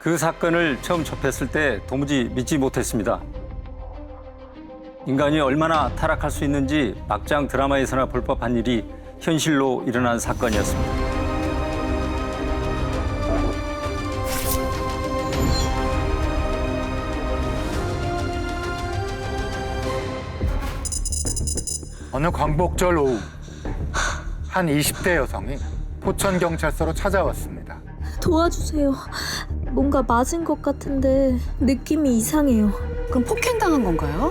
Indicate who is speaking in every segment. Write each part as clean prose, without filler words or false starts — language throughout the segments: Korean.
Speaker 1: 그 사건을 처음 접했을 때 도무지 믿지 못했습니다. 인간이 얼마나 타락할 수 있는지 막장 드라마에서나 볼 법한 일이 현실로 일어난 사건이었습니다.
Speaker 2: 어느 광복절 오후 한 20대 여성이 포천경찰서로 찾아왔습니다.
Speaker 3: 도와주세요. 뭔가 맞은 것 같은데 느낌이 이상해요.
Speaker 4: 그럼 폭행당한 건가요?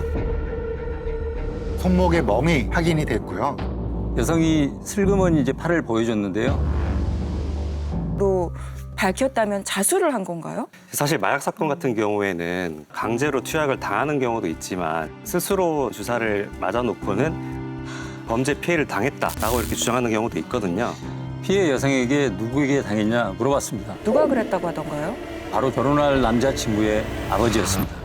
Speaker 2: 손목에 멍이 확인이 됐고요.
Speaker 1: 여성이 슬그머니 이제 팔을 보여줬는데요.
Speaker 5: 로 밝혔다면 자수를 한 건가요?
Speaker 6: 사실 마약 사건 같은 경우에는 강제로 투약을 당하는 경우도 있지만 스스로 주사를 맞아놓고는 범죄 피해를 당했다라고 이렇게 주장하는 경우도 있거든요.
Speaker 1: 피해 여성에게 누구에게 당했냐 물어봤습니다.
Speaker 5: 누가 그랬다고 하던가요?
Speaker 1: 바로 결혼할 남자친구의 아버지였습니다.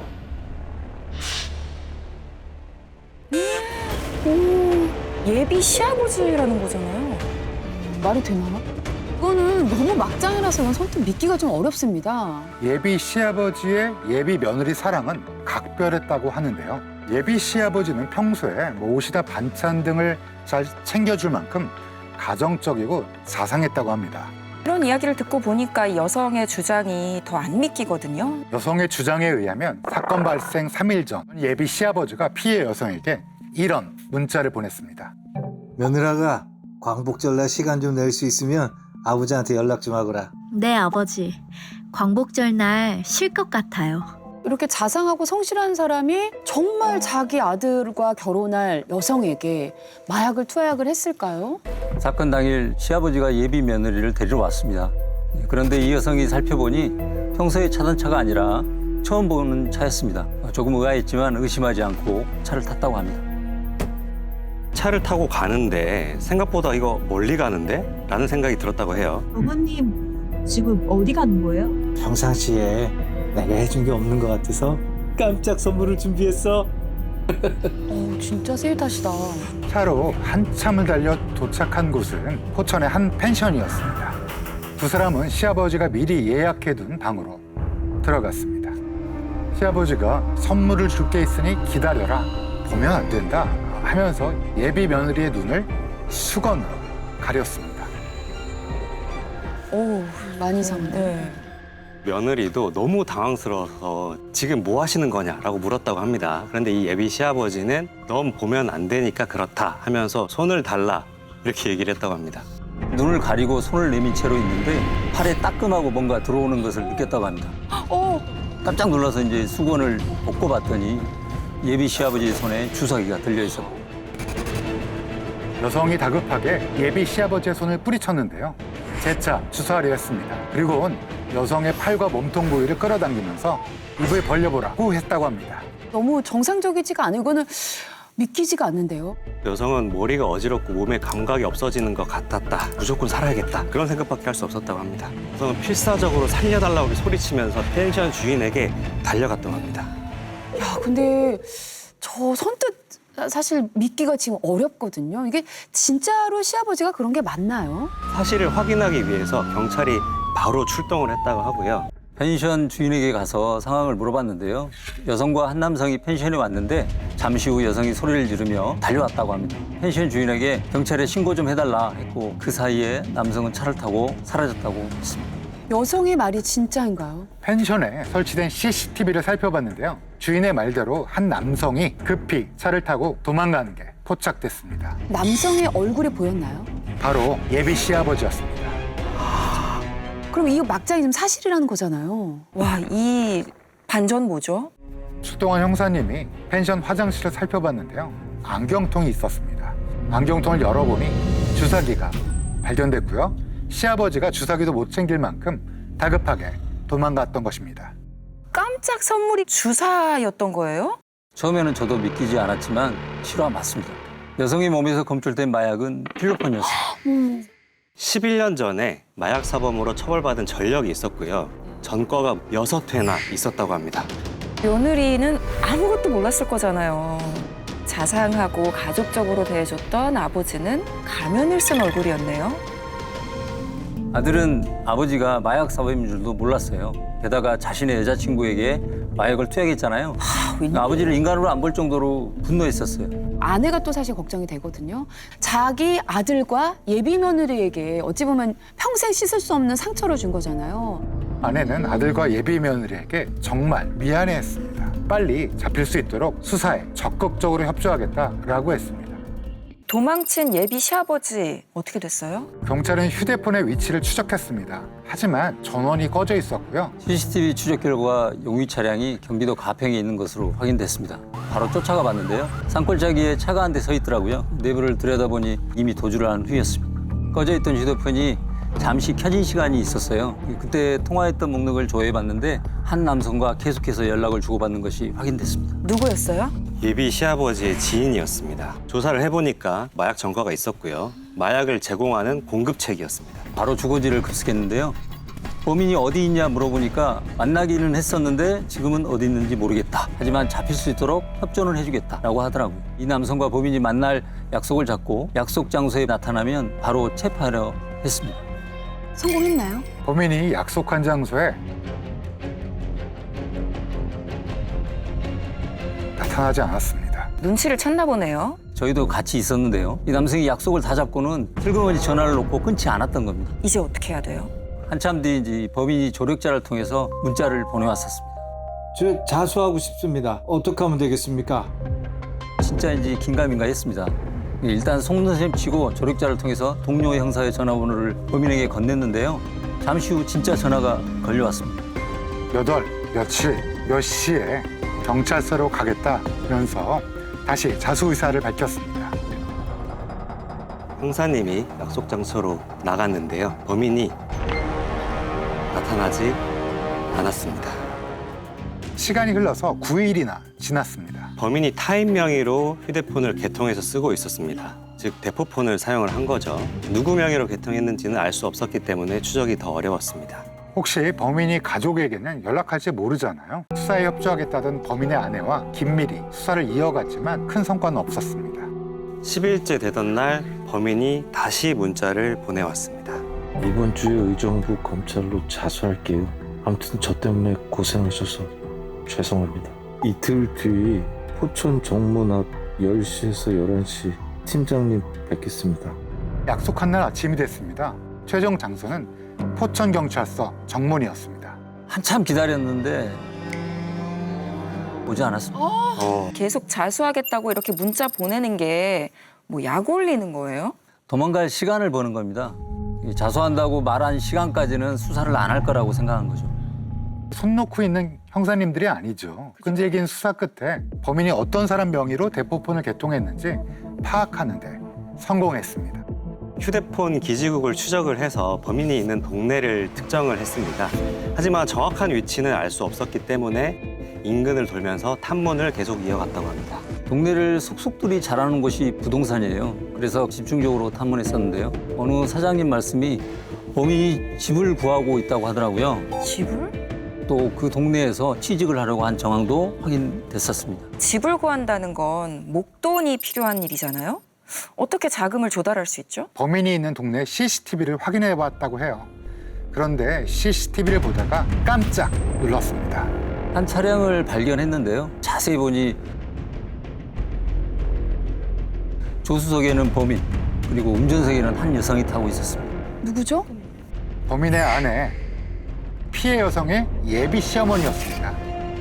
Speaker 5: 예비 시아버지라는 거잖아요.
Speaker 4: 말이 되나? 이거는 너무 막장이라서 선뜻 믿기가 좀 어렵습니다.
Speaker 2: 예비 시아버지의 예비 며느리 사랑은 각별했다고 하는데요. 예비 시아버지는 평소에 뭐 옷이나 반찬 등을 잘 챙겨줄 만큼 가정적이고 자상했다고 합니다.
Speaker 5: 이런 이야기를 듣고 보니까 이 여성의 주장이 더 안 믿기거든요.
Speaker 2: 여성의 주장에 의하면 사건 발생 3일 전 예비 시아버지가 피해 여성에게 이런 문자를 보냈습니다.
Speaker 7: 며느라가 광복절날 시간 좀 낼 수 있으면 아버지한테 연락 좀 하거라.
Speaker 3: 네, 아버지. 광복절 날 쉴 것 같아요.
Speaker 4: 이렇게 자상하고 성실한 사람이 정말 자기 아들과 결혼할 여성에게 마약을 투약을 했을까요?
Speaker 1: 사건 당일 시아버지가 예비 며느리를 데리러 왔습니다. 그런데 이 여성이 살펴보니 평소에 타던 차가 아니라 처음 보는 차였습니다. 조금 의아했지만 의심하지 않고 차를 탔다고 합니다.
Speaker 6: 차를 타고 가는데 생각보다 이거 멀리 가는데? 라는 생각이 들었다고 해요.
Speaker 8: 어머님 지금 어디 가는 거예요?
Speaker 7: 평상시에 내가 해준 게 없는 것 같아서 깜짝 선물을 준비했어.
Speaker 4: 진짜 스윗하시다.
Speaker 2: 차로 한참을 달려 도착한 곳은 포천의 한 펜션이었습니다. 두 사람은 시아버지가 미리 예약해둔 방으로 들어갔습니다. 시아버지가 선물을 줄 게 있으니 기다려라. 보면 안 된다 하면서 예비 며느리의 눈을 수건으로 가렸습니다.
Speaker 4: 오, 많이 이상한데.
Speaker 5: 네.
Speaker 6: 며느리도 너무 당황스러워서 지금 뭐 하시는 거냐라고 물었다고 합니다. 그런데 이 예비 시아버지는 넌 보면 안 되니까 그렇다 하면서 손을 달라 이렇게 얘기를 했다고 합니다.
Speaker 1: 눈을 가리고 손을 내민 채로 있는데 팔에 따끔하고 뭔가 들어오는 것을 느꼈다고 합니다. 깜짝 놀라서 이제 수건을 벗고 봤더니 예비 시아버지의 손에 주사기가 들려 있었고
Speaker 2: 여성이 다급하게 예비 시아버지의 손을 뿌리쳤는데요. 재차 주사하려 했습니다. 그리고는 여성의 팔과 몸통 부위를 끌어당기면서 입을 벌려보라고 했다고 합니다.
Speaker 4: 너무 정상적이지가 않아요. 이거는 믿기지가 않는데요.
Speaker 6: 여성은 머리가 어지럽고 몸에 감각이 없어지는 것 같았다. 무조건 살아야겠다. 그런 생각밖에 할 수 없었다고 합니다. 여성은 필사적으로 살려달라고 소리치면서 펜션 주인에게 달려갔다고 합니다.
Speaker 4: 야, 근데 저 선뜻 사실 믿기가 지금 어렵거든요. 이게 진짜로 시아버지가 그런 게 맞나요?
Speaker 6: 사실을 확인하기 위해서 경찰이 바로 출동을 했다고 하고요.
Speaker 1: 펜션 주인에게 가서 상황을 물어봤는데요. 여성과 한 남성이 펜션에 왔는데 잠시 후 여성이 소리를 지르며 달려왔다고 합니다. 펜션 주인에게 경찰에 신고 좀 해달라 했고 그 사이에 남성은 차를 타고 사라졌다고 했습니다.
Speaker 4: 여성의 말이 진짜인가요?
Speaker 2: 펜션에 설치된 CCTV를 살펴봤는데요. 주인의 말대로 한 남성이 급히 차를 타고 도망가는 게 포착됐습니다.
Speaker 4: 남성의 얼굴이 보였나요?
Speaker 2: 바로 예비 시아버지였습니다.
Speaker 4: 그럼 이 막장이 지금 사실이라는 거잖아요.
Speaker 5: 와, 이 반전 뭐죠?
Speaker 2: 출동한 형사님이 펜션 화장실을 살펴봤는데요. 안경통이 있었습니다. 안경통을 열어보니 주사기가 발견됐고요. 시아버지가 주사기도 못 챙길 만큼 다급하게 도망갔던 것입니다.
Speaker 5: 깜짝 선물이 주사였던 거예요?
Speaker 1: 처음에는 저도 믿기지 않았지만 실화 맞습니다. 여성의 몸에서 검출된 마약은 필로폰이었습니다.
Speaker 6: 11년 전에 마약 사범으로 처벌받은 전력이 있었고요. 전과가 6회나 있었다고 합니다.
Speaker 5: 며느리는 아무것도 몰랐을 거잖아요. 자상하고 가족적으로 대해줬던 아버지는 가면을 쓴 얼굴이었네요.
Speaker 1: 아들은 아버지가 마약 사범인 줄도 몰랐어요. 게다가 자신의 여자친구에게 마약을 투약했잖아요. 아버지를 인간으로 안 볼 정도로 분노했었어요.
Speaker 4: 아내가 또 사실 걱정이 되거든요. 자기 아들과 예비 며느리에게 어찌 보면 평생 씻을 수 없는 상처를 준 거잖아요.
Speaker 2: 아내는 아들과 예비 며느리에게 정말 미안해했습니다. 빨리 잡힐 수 있도록 수사에 적극적으로 협조하겠다라고 했습니다.
Speaker 5: 도망친 예비 시아버지 어떻게 됐어요?
Speaker 2: 경찰은 휴대폰의 위치를 추적했습니다. 하지만 전원이 꺼져 있었고요.
Speaker 1: CCTV 추적 결과 용의 차량이 경기도 가평에 있는 것으로 확인됐습니다. 바로 쫓아가 봤는데요. 산골짜기에 차가 한 대 서 있더라고요. 내부를 들여다보니 이미 도주를 한 후였습니다. 꺼져 있던 휴대폰이 잠시 켜진 시간이 있었어요. 그때 통화했던 목록을 조회해봤는데 한 남성과 계속해서 연락을 주고받는 것이 확인됐습니다.
Speaker 5: 누구였어요?
Speaker 6: 예비 시아버지의 지인이었습니다. 조사를 해보니까 마약 전과가 있었고요. 마약을 제공하는 공급책이었습니다.
Speaker 1: 바로 주거지를 급습했는데요. 범인이 어디 있냐 물어보니까 만나기는 했었는데 지금은 어디 있는지 모르겠다. 하지만 잡힐 수 있도록 협조는 해주겠다라고 하더라고요. 이 남성과 범인이 만날 약속을 잡고 약속 장소에 나타나면 바로 체포하려 했습니다.
Speaker 4: 성공했나요?
Speaker 2: 범인이 약속한 장소에 나타나지 않았습니다.
Speaker 5: 눈치를 챘나 보네요.
Speaker 1: 저희도 같이 있었는데요. 이 남성이 약속을 다 잡고는 슬그머니 전화를 놓고 끊지 않았던 겁니다.
Speaker 5: 이제 어떻게 해야 돼요?
Speaker 1: 한참 뒤 이제 범인이 조력자를 통해서 문자를 보내왔었습니다.
Speaker 7: 저 자수하고 싶습니다. 어떻게 하면 되겠습니까?
Speaker 1: 진짜인지 긴가민가 했습니다. 일단 속는셈 치고 조력자를 통해서 동료 형사의 전화번호를 범인에게 건넸는데요. 잠시 후 진짜 전화가 걸려왔습니다.
Speaker 2: 몇 월, 며칠, 몇 시에 경찰서로 가겠다면서 다시 자수 의사를 밝혔습니다.
Speaker 6: 형사님이 약속 장소로 나갔는데요. 범인이 나타나지 않았습니다.
Speaker 2: 시간이 흘러서 9일이나 지났습니다.
Speaker 6: 범인이 타인 명의로 휴대폰을 개통해서 쓰고 있었습니다. 즉 대포폰을 사용을 한 거죠. 누구 명의로 개통했는지는 알 수 없었기 때문에 추적이 더 어려웠습니다.
Speaker 2: 혹시 범인이 가족에게는 연락할지 모르잖아요. 수사에 협조하겠다던 범인의 아내와 긴밀히 수사를 이어갔지만 큰 성과는 없었습니다.
Speaker 6: 10일째 되던 날 범인이 다시 문자를 보내왔습니다.
Speaker 9: 이번 주에 의정부 검찰로 자수할게요. 아무튼 저 때문에 고생하셔서 죄송합니다. 이틀 뒤 포천 정문 앞 10시에서 11시 팀장님 뵙겠습니다.
Speaker 2: 약속한 날 아침이 됐습니다. 최종 장소는 포천경찰서 정문이었습니다.
Speaker 1: 한참 기다렸는데 오지 않았습니다.
Speaker 5: 계속 자수하겠다고 이렇게 문자 보내는 게 뭐 약 올리는 거예요?
Speaker 1: 도망갈 시간을 버는 겁니다. 자수한다고 말한 시간까지는 수사를 안 할 거라고 생각한 거죠.
Speaker 2: 손 놓고 있는 형사님들이 아니죠. 끈질긴 수사 끝에 범인이 어떤 사람 명의로 대포폰을 개통했는지 파악하는 데 성공했습니다.
Speaker 6: 휴대폰 기지국을 추적을 해서 범인이 있는 동네를 특정을 했습니다. 하지만 정확한 위치는 알 수 없었기 때문에 인근을 돌면서 탐문을 계속 이어갔다고 합니다.
Speaker 1: 동네를 속속들이 잘하는 곳이 부동산이에요. 그래서 집중적으로 탐문했었는데요. 어느 사장님 말씀이 범인이 집을 구하고 있다고 하더라고요.
Speaker 5: 집을?
Speaker 1: 또 그 동네에서 취직을 하려고 한 정황도 확인됐었습니다.
Speaker 5: 집을 구한다는 건 목돈이 필요한 일이잖아요? 어떻게 자금을 조달할 수 있죠?
Speaker 2: 범인이 있는 동네 CCTV를 확인해 봤다고 해요. 그런데 CCTV를 보다가 깜짝 놀랐습니다.
Speaker 1: 한 차량을 발견했는데요. 자세히 보니 조수석에는 범인, 그리고 운전석에는 한 여성이 타고 있었습니다.
Speaker 4: 누구죠?
Speaker 2: 범인의 아내, 피해 여성의 예비 시어머니였습니다.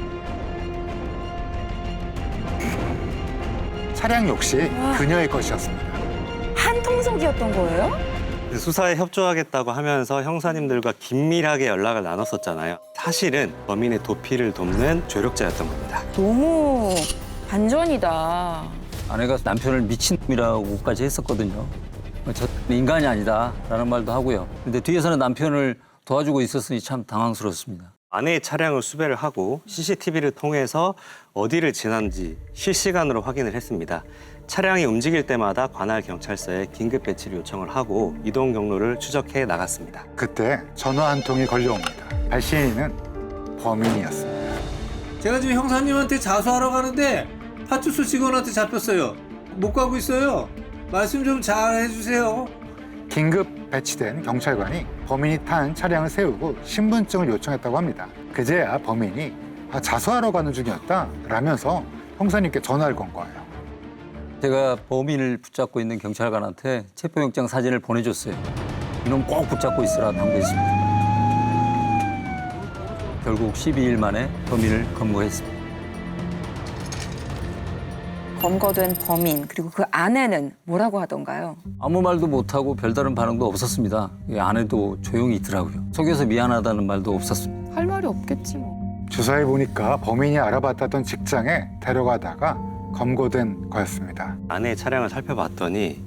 Speaker 2: 차량 역시 그녀의 것이었습니다.
Speaker 5: 한 통속이었던 거예요?
Speaker 6: 수사에 협조하겠다고 하면서 형사님들과 긴밀하게 연락을 나눴었잖아요. 사실은 범인의 도피를 돕는 조력자였던 겁니다.
Speaker 5: 너무 반전이다.
Speaker 1: 아내가 남편을 미친놈이라고까지 했었거든요. 저 인간이 아니다라는 말도 하고요. 근데 뒤에서는 남편을 도와주고 있었으니 참 당황스럽습니다.
Speaker 6: 아내의 차량을 수배를 하고 CCTV를 통해서 어디를 지난지 실시간으로 확인을 했습니다. 차량이 움직일 때마다 관할 경찰서에 긴급 배치를 요청을 하고 이동 경로를 추적해 나갔습니다.
Speaker 2: 그때 전화 한 통이 걸려옵니다. 발신인은 범인이었습니다.
Speaker 10: 제가 지금 형사님한테 자수하러 가는데 파출소 직원한테 잡혔어요. 못 가고 있어요. 말씀 좀 잘 해주세요.
Speaker 2: 긴급 배치된 경찰관이 범인이 탄 차량을 세우고 신분증을 요청했다고 합니다. 그제야 범인이 자수하러 가는 중이었다 라면서 형사님께 전화를 건 거예요.
Speaker 1: 제가 범인을 붙잡고 있는 경찰관한테 체포영장 사진을 보내줬어요. 이놈 꼭 붙잡고 있으라 당부했습니다. 결국 12일 만에 범인을 검거했습니다.
Speaker 5: 검거된 범인 그리고 그 아내는 뭐라고 하던가요?
Speaker 1: 아무 말도 못하고 별다른 반응도 없었습니다. 아내도 조용히 있더라고요. 속여서 미안하다는 말도 없었습니다.
Speaker 4: 할 말이 없겠지 뭐.
Speaker 2: 주사해 보니까 범인이 알아봤다던 직장에 데려가다가 검거된 거였습니다.
Speaker 6: 아내의 차량을 살펴봤더니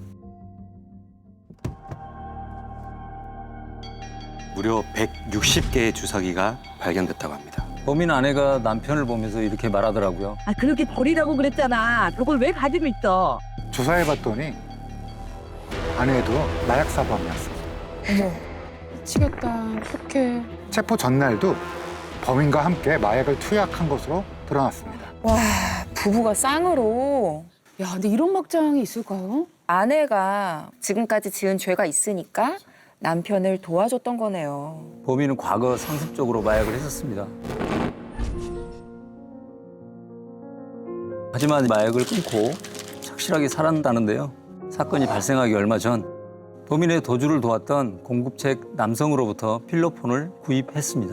Speaker 6: 무려 160개의 주사기가 발견됐다고 합니다.
Speaker 1: 범인 아내가 남편을 보면서 이렇게 말하더라고요.
Speaker 8: 아 그렇게 버리라고 그랬잖아. 그걸 왜 가지고 있어?
Speaker 2: 주사해 봤더니 아내도 마약 사범이었어.
Speaker 4: 어머, 미치겠다. 어떡해.
Speaker 2: 체포 전날도 범인과 함께 마약을 투약한 것으로 드러났습니다.
Speaker 5: 와, 부부가 쌍으로.
Speaker 4: 야, 근데 이런 막장이 있을까요?
Speaker 5: 아내가 지금까지 지은 죄가 있으니까 남편을 도와줬던 거네요.
Speaker 1: 범인은 과거 상습적으로 마약을 했었습니다. 하지만 마약을 끊고 착실하게 살았다는데요. 사건이 발생하기 얼마 전 범인의 도주를 도왔던 공급책 남성으로부터 필로폰을 구입했습니다.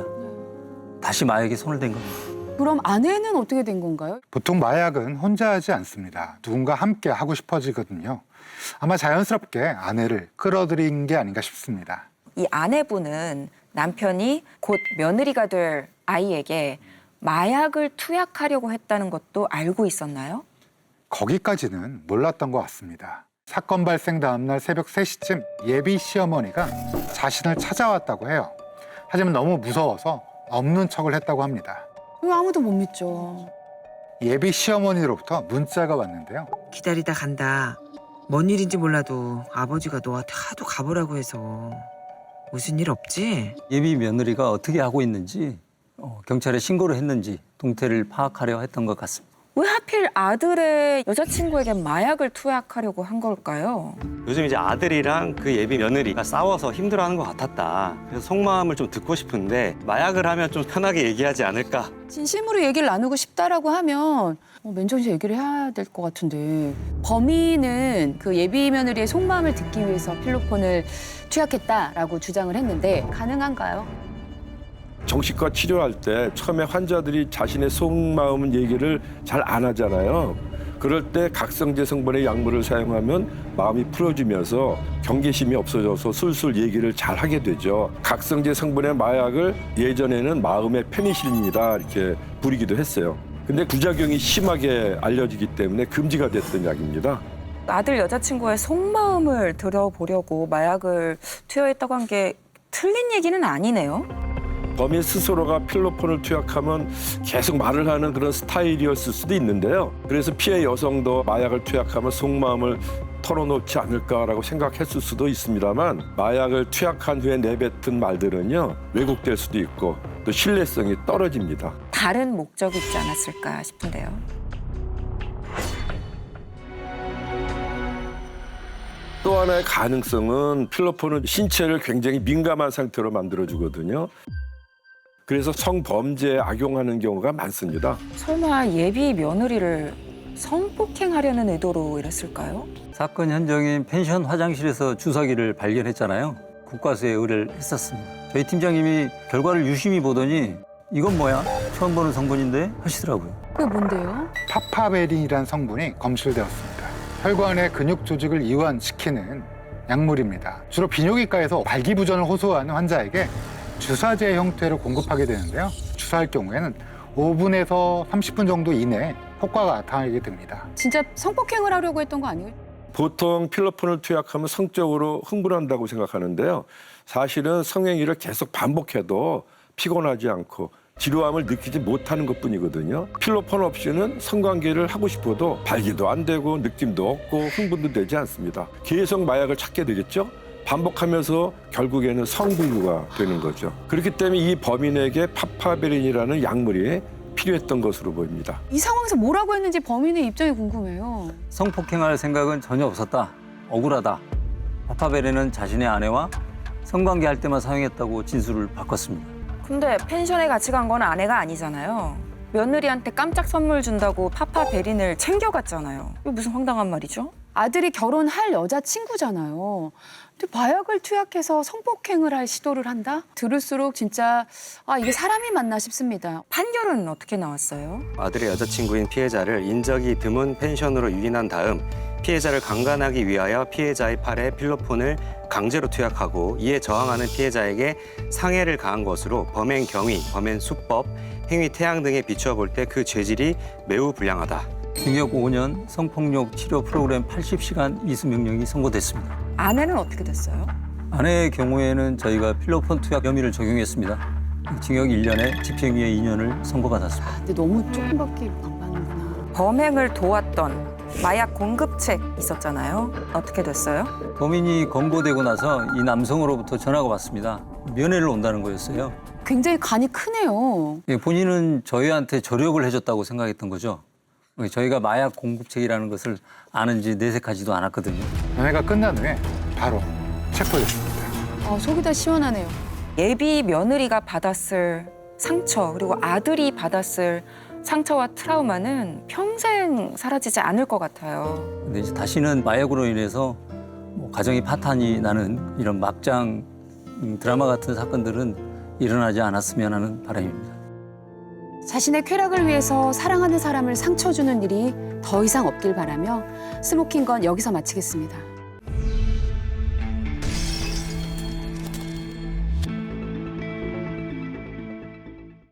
Speaker 1: 다시 마약에 손을 댄 겁니다.
Speaker 4: 그럼 아내는 어떻게 된 건가요?
Speaker 2: 보통 마약은 혼자 하지 않습니다. 누군가 함께 하고 싶어지거든요. 아마 자연스럽게 아내를 끌어들인 게 아닌가 싶습니다.
Speaker 5: 이 아내분은 남편이 곧 며느리가 될 아이에게 마약을 투약하려고 했다는 것도 알고 있었나요?
Speaker 2: 거기까지는 몰랐던 것 같습니다. 사건 발생 다음날 새벽 3시쯤 예비 시어머니가 자신을 찾아왔다고 해요. 하지만 너무 무서워서 없는 척을 했다고 합니다.
Speaker 4: 이거 아무도 못 믿죠.
Speaker 2: 예비 시어머니로부터 문자가 왔는데요.
Speaker 11: 기다리다 간다. 뭔 일인지 몰라도 아버지가 너한테 하도 가보라고 해서. 무슨 일 없지?
Speaker 1: 예비 며느리가 어떻게 하고 있는지 경찰에 신고를 했는지 동태를 파악하려 했던 것 같습니다.
Speaker 5: 왜 하필 아들의 여자친구에게 마약을 투약하려고 한 걸까요?
Speaker 6: 요즘 이제 아들이랑 그 예비 며느리가 싸워서 힘들어하는 것 같았다. 그래서 속마음을 좀 듣고 싶은데 마약을 하면 좀 편하게 얘기하지 않을까.
Speaker 4: 진심으로 얘기를 나누고 싶다라고 하면 맨정신 얘기를 해야 될 것 같은데 범인은 그 예비 며느리의 속마음을 듣기 위해서 필로폰을 투약했다라고 주장을 했는데 가능한가요?
Speaker 12: 정신과 치료할 때 처음에 환자들이 자신의 속마음 얘기를 잘 안 하잖아요. 그럴 때 각성제 성분의 약물을 사용하면 마음이 풀어지면서 경계심이 없어져서 술술 얘기를 잘 하게 되죠. 각성제 성분의 마약을 예전에는 마음의 페니실린이다 이렇게 부르기도 했어요. 근데 부작용이 심하게 알려지기 때문에 금지가 됐던 약입니다.
Speaker 5: 아들 여자친구의 속마음을 들어보려고 마약을 투여했다고 한 게 틀린 얘기는 아니네요.
Speaker 12: 범인 스스로가 필로폰을 투약하면 계속 말을 하는 그런 스타일이었을 수도 있는데요. 그래서 피해 여성도 마약을 투약하면 속마음을 털어놓지 않을까라고 생각했을 수도 있습니다만 마약을 투약한 후에 내뱉은 말들은요. 왜곡될 수도 있고 또 신뢰성이 떨어집니다.
Speaker 5: 다른 목적이 있지 않았을까 싶은데요.
Speaker 12: 또 하나의 가능성은 필로폰은 신체를 굉장히 민감한 상태로 만들어주거든요. 그래서 성범죄에 악용하는 경우가 많습니다.
Speaker 5: 설마 예비 며느리를 성폭행하려는 의도로 이랬을까요?
Speaker 1: 사건 현장인 펜션 화장실에서 주사기를 발견했잖아요. 국과수에 의뢰를 했었습니다. 저희 팀장님이 결과를 유심히 보더니 이건 뭐야? 처음 보는 성분인데 하시더라고요.
Speaker 4: 그게 뭔데요?
Speaker 2: 파파베린이라는 성분이 검출되었습니다. 혈관의 근육 조직을 이완시키는 약물입니다. 주로 비뇨기과에서 발기부전을 호소하는 환자에게 주사제 형태로 공급하게 되는데요. 주사할 경우에는 5분에서 30분 정도 이내에 효과가 나타나게 됩니다.
Speaker 4: 진짜 성폭행을 하려고 했던 거 아니에요?
Speaker 12: 보통 필로폰을 투약하면 성적으로 흥분한다고 생각하는데요. 사실은 성행위를 계속 반복해도 피곤하지 않고 지루함을 느끼지 못하는 것뿐이거든요. 필로폰 없이는 성관계를 하고 싶어도 발기도 안 되고 느낌도 없고 흥분도 되지 않습니다. 계속 마약을 찾게 되겠죠. 반복하면서 결국에는 성불구가 되는 거죠. 그렇기 때문에 이 범인에게 파파베린이라는 약물이 필요했던 것으로 보입니다.
Speaker 4: 이 상황에서 뭐라고 했는지 범인의 입장이 궁금해요.
Speaker 1: 성폭행할 생각은 전혀 없었다. 억울하다. 파파베린은 자신의 아내와 성관계 할 때만 사용했다고 진술을 바꿨습니다.
Speaker 5: 근데 펜션에 같이 간 건 아내가 아니잖아요. 며느리한테 깜짝 선물 준다고 파파베린을 챙겨갔잖아요. 이거 무슨 황당한 말이죠?
Speaker 4: 아들이 결혼할 여자친구잖아요. 근데 마약을 투약해서 성폭행을 할 시도를 한다? 들을수록 진짜 이게 사람이 맞나 싶습니다.
Speaker 5: 판결은 어떻게 나왔어요?
Speaker 6: 아들의 여자친구인 피해자를 인적이 드문 펜션으로 유인한 다음 피해자를 강간하기 위하여 피해자의 팔에 필로폰을 강제로 투약하고 이에 저항하는 피해자에게 상해를 가한 것으로 범행 경위, 범행 수법, 행위 태양 등에 비추어 볼 때 그 죄질이 매우 불량하다.
Speaker 1: 징역 5년, 성폭력 치료 프로그램 80시간 이수 명령이 선고됐습니다.
Speaker 5: 아내는 어떻게 됐어요?
Speaker 1: 아내의 경우에는 저희가 필로폰 투약 혐의를 적용했습니다. 징역 1년에 집행유예 2년을 선고받았습니다.
Speaker 4: 근데 너무 조금밖에 안 받는구나.
Speaker 5: 범행을 도왔던 마약 공급책 있었잖아요. 어떻게 됐어요?
Speaker 1: 범인이 검거되고 나서 이 남성으로부터 전화가 왔습니다. 면회를 온다는 거였어요.
Speaker 4: 굉장히 간이 크네요.
Speaker 1: 예, 본인은 저희한테 조력을 해줬다고 생각했던 거죠. 저희가 마약 공급책이라는 것을 아는지 내색하지도 않았거든요.
Speaker 2: 연애가 끝난 후에 바로 체포됐습니다.
Speaker 4: 속이 다 시원하네요.
Speaker 5: 예비 며느리가 받았을 상처 그리고 아들이 받았을 상처와 트라우마는 평생 사라지지 않을 것 같아요.
Speaker 1: 근데 이제 다시는 마약으로 인해서 뭐 가정이 파탄이 나는 이런 막장 드라마 같은 사건들은 일어나지 않았으면 하는 바람입니다.
Speaker 4: 자신의 쾌락을 위해서 사랑하는 사람을 상처 주는 일이 더 이상 없길 바라며 스모킹건 여기서 마치겠습니다.